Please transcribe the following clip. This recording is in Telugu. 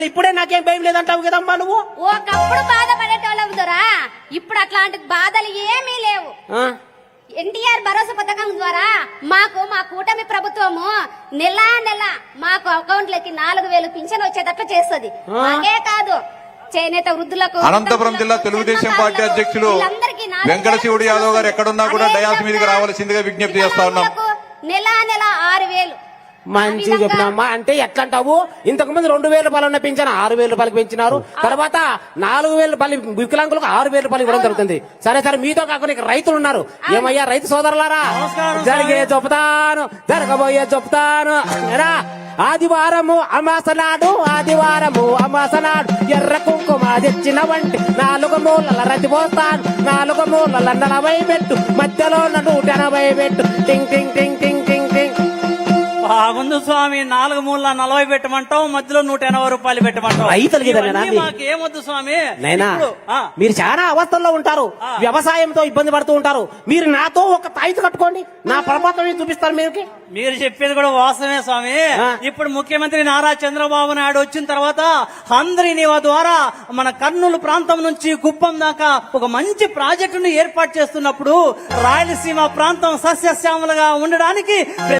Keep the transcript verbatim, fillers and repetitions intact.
ఇప్పుడే నాకేం భయం లేదంటావు కదమ్మా నువ్వు. ఒకప్పుడు బాధపడేటోళ్ళం దొరా, ఇప్పుడు అట్లాంటి బాధలు ఏమీ లేవు. ఎన్టీఆర్ భరోసా పథకం ద్వారా మాకు మా కూటమి ప్రభుత్వము నెల నెల మాకు అకౌంట్లకి నాలుగు వేలు పింఛన్ వచ్చేటట్లు చేస్తుంది. అదే కాదు, చేనేత వృద్ధులకు, అనంతపురం జిల్లా తెలుగుదేశం పార్టీ అధ్యక్షులు వెంకట శివుడు యాదవ్ గారు ఎక్కడున్నా కూడా డయాస్ మీదకి రావాల్సిందిగా విజ్ఞప్తి చేస్తా ఉన్నాం. నెల నెల ఆరు వేలు మంచి చెప్పినమ్మా. అంటే ఎట్లా అంటావు, ఇంతకు ముందు రెండు వేల రూపాయలు ఉన్న పెంచాను ఆరు వేల రూపాయలకి పెంచినారు, తర్వాత నాలుగు వేల రూపాయలు వికలాంగులకు ఆరు వేల రూపాయలు ఇవ్వడం జరుగుతుంది. సరే సరే, మీతో కాకుండా ఇక్కడ రైతులు ఉన్నారు. ఏమయ్యా రైతు సోదరులారా, జరిగే చెప్తాను జరగబోయే చెప్తాను. ఆదివారము అమాసనాడు ఆదివారము అమాసనాడు ఎర్ర కుంకుమ తెచ్చిన వంటి నాలుగు మూలల రతి పోస్తాను, నాలుగు మూలల నలభై పెట్టు, మధ్యలో నూట ఎనభై పెట్టు. టింగ్ టింగ్ టింగ్ టింగ్ టింగ్ టింగ్. బాగుంది స్వామి, నాలుగు మూల నలభై పెట్టమంటావు, మధ్యలో నూట ఎనభై రూపాయలు పెట్టమంటావు. రైతులకి మాకు ఏమొద్దు స్వామి. నైనా మీరు చాలా అవస్థల్లో ఉంటారు, వ్యవసాయంతో ఇబ్బంది పడుతూ ఉంటారు. మీరు నాతో ఒక తాయితు కట్టుకోండి, నా పరపత్రం చూపిస్తారు. మీరు మీరు చెప్పేది కూడా వాస్తవమే స్వామి. ఇప్పుడు ముఖ్యమంత్రి నారా చంద్రబాబు నాయుడు వచ్చిన తర్వాత హంద్రీని ద్వారా మన కర్నూలు ప్రాంతం నుంచి కుప్పం దాకా ఒక మంచి ప్రాజెక్టును ఏర్పాటు చేస్తున్నప్పుడు రాయలసీమ ప్రాంతం సస్యశ్యామలుగా ఉండడానికి